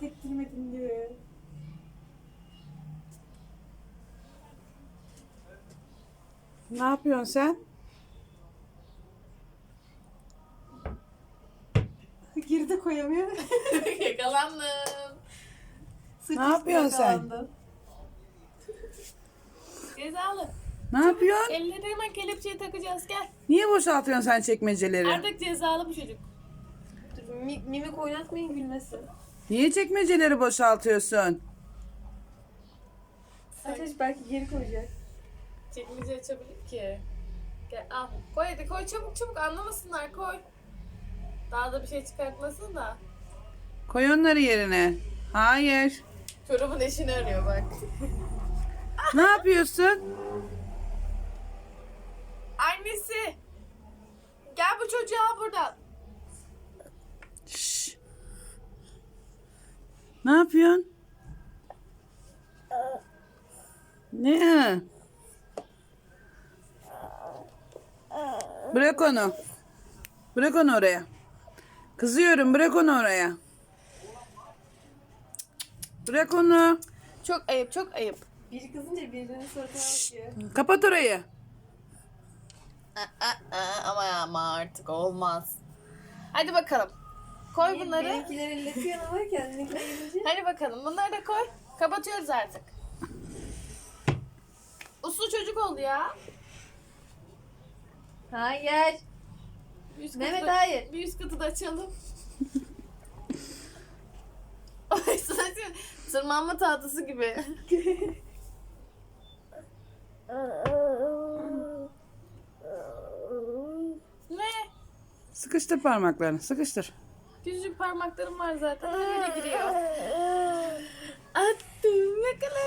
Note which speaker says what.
Speaker 1: rahat ettirmedin diyor.
Speaker 2: Ne yapıyorsun sen?
Speaker 1: Geri de koyamıyor.
Speaker 3: Yakalandım.
Speaker 1: Sırt
Speaker 2: Ne
Speaker 1: üstü
Speaker 2: yapıyorsun sen?
Speaker 1: yakalandı.
Speaker 3: Cezalı.
Speaker 2: Ne yapıyorsun?
Speaker 3: Elleri hemen kelepçeye takacağız, gel.
Speaker 2: Niye boşaltıyorsun sen çekmeceleri?
Speaker 3: Artık cezalı bu çocuk.
Speaker 1: Dur, mimik oynatmayın gülmesin.
Speaker 2: Niye çekmeceleri boşaltıyorsun?
Speaker 1: Ateş belki geri koyacak.
Speaker 3: Çekmece açabilir ki. Gel al. Koy hadi, koy çabuk çabuk, anlamasınlar, koy. Daha da bir şey çıkartmasın da.
Speaker 2: Koy onları yerine. Hayır.
Speaker 3: Çorabın eşini arıyor bak.
Speaker 2: Ne yapıyorsun?
Speaker 3: Annesi. Gel bu çocuğu al buradan.
Speaker 2: Şşş. Ne yapıyorsun? Ne? Bırak onu. Bırak onu oraya. Kızıyorum, bırak onu oraya. Bırak onu.
Speaker 3: Çok ayıp, çok ayıp.
Speaker 1: Biri kızınca birinin suratına bakıyor.
Speaker 2: Kapat orayı.
Speaker 3: Ama artık olmaz. Hadi bakalım. Koy bunları.
Speaker 1: Benimkileri elletiyor ama kendininkine gelince.
Speaker 3: Hadi bakalım, bunları da koy. Kapatıyoruz artık. Uslu çocuk oldu ya.
Speaker 1: Hayır.
Speaker 3: Bir üst
Speaker 1: Mehmet,
Speaker 3: katı da-
Speaker 1: hayır.
Speaker 3: Bir üst katı da açalım. Ay sadece tırmanma tahtası gibi. Ne?
Speaker 2: Sıkıştır parmaklarını, sıkıştır.
Speaker 3: Küçücük parmaklarım var zaten. Her yere giriyor.